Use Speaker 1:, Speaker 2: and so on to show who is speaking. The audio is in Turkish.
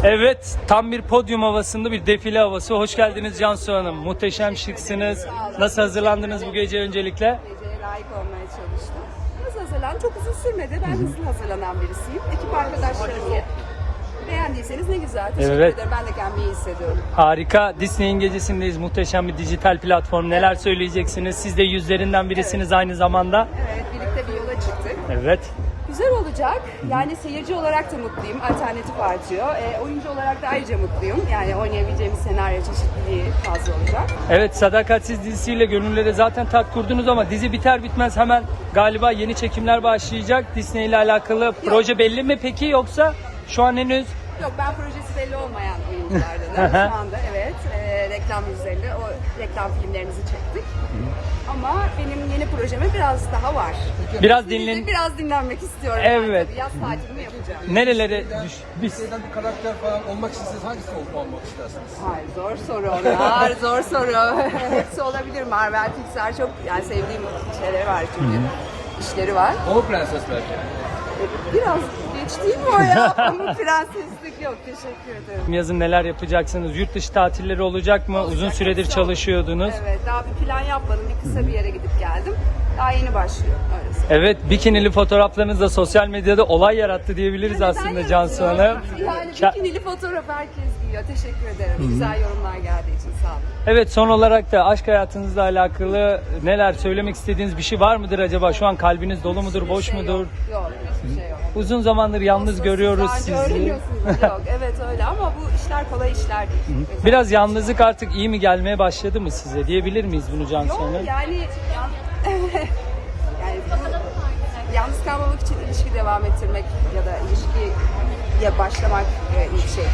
Speaker 1: Evet, tam bir podyum havasında bir defile havası. Hoş geldiniz Cansu Hanım. Muhteşem şıksınız. Nasıl hazırlandınız bu gece öncelikle?
Speaker 2: Geceye layık olmaya çalıştım. Nasıl hazırlandım? Çok uzun sürmedi. Ben hızlı hazırlanan birisiyim. Ekip arkadaşlarım beğendiyseniz ne güzel. Teşekkür
Speaker 1: Evet.
Speaker 2: ederim. Ben de kendimi iyi hissediyorum.
Speaker 1: Harika. Disney'in gecesindeyiz. Muhteşem bir dijital platform. Neler söyleyeceksiniz? Siz de yüzlerinden birisiniz aynı zamanda.
Speaker 2: Evet, birlikte bir yola çıktık.
Speaker 1: Evet.
Speaker 2: Güzel olacak. Yani seyirci olarak da mutluyum. Alternatif artıyor. Oyuncu olarak da ayrıca mutluyum. Yani oynayabileceğimiz senaryo çeşitliliği fazla olacak.
Speaker 1: Evet, Sadakatsiz dizisiyle gönüllere zaten tat kurdunuz ama dizi biter bitmez hemen galiba yeni çekimler başlayacak. Disney ile alakalı proje belli mi peki, yoksa şu an henüz?
Speaker 2: Yok, ben projesi belli olmayan oyunculardanım. Şu anda evet. Reklam yüzlerinde o reklam filmlerimizi çektik. Ama benim yeni projeme biraz daha var. Biraz dinlenmek istiyorum.
Speaker 1: Evet.
Speaker 2: Tabii, yaz tatilimi yapacağım.
Speaker 1: Nerelere
Speaker 3: Disney'den bir karakter falan olmak isteseniz hangisi olmak istersiniz?
Speaker 2: Hayır, zor soru onlar. Zor soru. Hepsi olabilir. Marvel, Pixar çok yani sevdiğim şeyleri var çünkü. İşleri var.
Speaker 3: Pamuk Prenses belki.
Speaker 2: Biraz geç değil mi o ya? Ama prenseslik yok. Teşekkür ederim.
Speaker 1: Yazın neler yapacaksınız? Yurt dışı tatilleri olacak mı? Uzun süredir
Speaker 2: Hepsi
Speaker 1: çalışıyordunuz.
Speaker 2: Evet, daha bir plan yapmadım. Bir kısa bir yere gidip geldim. Daha yeni başlıyor. Öyle söyleyeyim.
Speaker 1: Evet, bikinili fotoğraflarınız da sosyal medyada olay yarattı diyebiliriz aslında Cansu Hanım.
Speaker 2: Yani bikinili fotoğraf herkes giyiyor. Teşekkür ederim. Güzel yorumlar geldiği için sağ olun.
Speaker 1: Evet, son olarak da aşk hayatınızla alakalı neler söylemek istediğiniz bir şey var mıdır acaba? Şu an kalbiniz dolu mudur, boş mudur?
Speaker 2: Yok, hiçbir şey yok.
Speaker 1: Uzun zamandır yalnız görüyoruz
Speaker 2: Daha önce
Speaker 1: sizi.
Speaker 2: öğreniyorsunuz. Yok, evet öyle ama bu işler kolay işler değil.
Speaker 1: Biraz yalnızlık artık iyi mi gelmeye başladı mı size? Diyebilir miyiz bunu Cansu
Speaker 2: Yok
Speaker 1: Hanım?
Speaker 2: yani yalnız kalmamak için ilişki devam ettirmek ya da ilişkiye başlamak ilk şey